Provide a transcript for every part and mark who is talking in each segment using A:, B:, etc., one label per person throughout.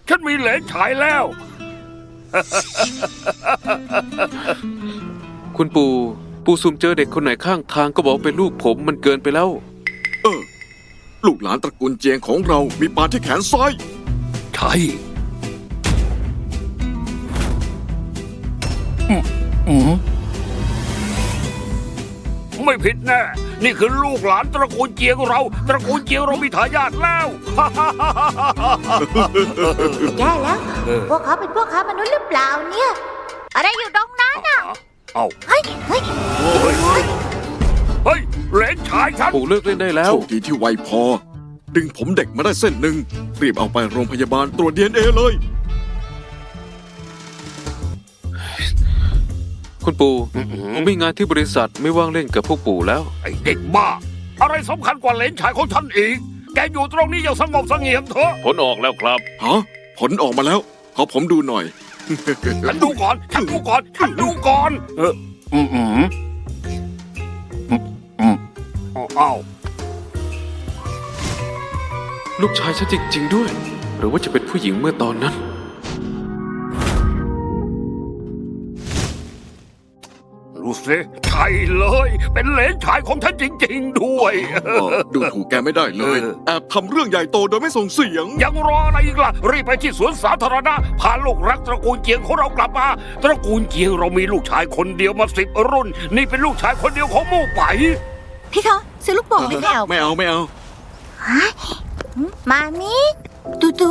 A: ฉันมีเหลนฉายแล้ว
B: คุณปู่ซุ่มเจอเด็กคนไหนข้างทางก็บอกเป็นลูกผมมันเกินไปแล้ว
C: ลูกหลานตระกูลเจียงของเรามีปานที่แขนซ้าย
A: ใช่ไม่ผิดแน่ นี่คือลูกหลานตระกูลเจียงเรา ตระกูลเจียงเรามีทายาทแล้ว
D: แย่แล้ว พวกเขาเป็นพวกค้ามนุษย์หรือเปล่าเนี่ย อะไรอยู่ตรงนั้นน่ะ
A: เอ้า
D: เฮ้ย เฮ้ย
A: เฮ้ยเหลนฉายฉัน
B: ปู่เลิกเล่นได้แล้ว
C: โชคดีที่ไวพอ ดึงผมเด็กมาได้เส้นหนึ่งรีบเอาไปโรงพยาบาลตรวจ DNA เลย
B: คุณปู่ผมมีงานที่บริษัทไม่ว่างเล่นกับพวกปู่แล้ว
A: ไอ้เด็กบ้า อะไรสำคัญกว่าเหลนฉายของฉันอีก แกอยู่ตรงนี้อย่างสงบเสงี่ยมเถอะ
B: ผลออกแล้วครับ
C: ฮะ ผลออกมาแล้ว ขอผมดูหน่อย
A: ฉันดูก่อน ฉันดูก่อน ฉันดูก่อนอ้าว
B: ลูกชายฉันจริง ๆด้วย หรือว่าจะเป็นผู้หญิงเมื่อตอนนั้น
A: ดูสิใช่เลย เป็นเหลนชายของฉันจริงๆด้วย
C: ดูถูกแกไม่ได้เลย แอบทำเรื่องใหญ่โตโดยไม่ส่งเสียง
A: ยังรออะไรอีกล่ะ รีบไปที่สวนสาธารณะพาลูกรักตระกูลเจียงของเรากลับมา ตระกูลเจียงเรามีลูกชายคนเดียวมา10 รุ่น นี่เป็นลูกชายคนเดียวของมู่ไป
D: พี่คะซื้อลูกโป่งไหมคะ
C: ไม่เอาไม่เอา
D: มามิตูตู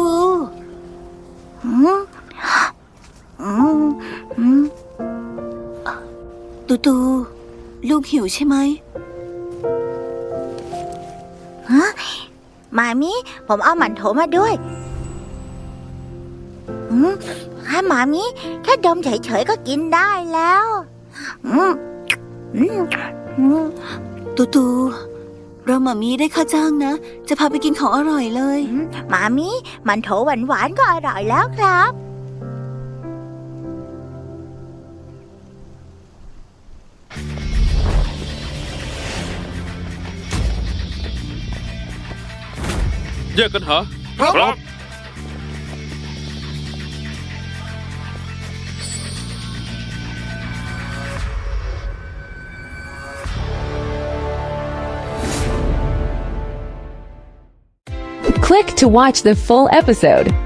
D: ตูตูลูกหิวใช่ไหมฮะมามิผมเอาหมันโถมาด้วยให้มามิแค่ดมเฉยๆก็กินได้แล้วตูตูเราหมามีได้ค่าจ้างนะ จะพาไปกินของอร่อยเลยหมามีมันโถหวานๆก็อร่อยแล้วครับ
B: แยกกันหา
A: ครับ
E: Click to watch the full episode.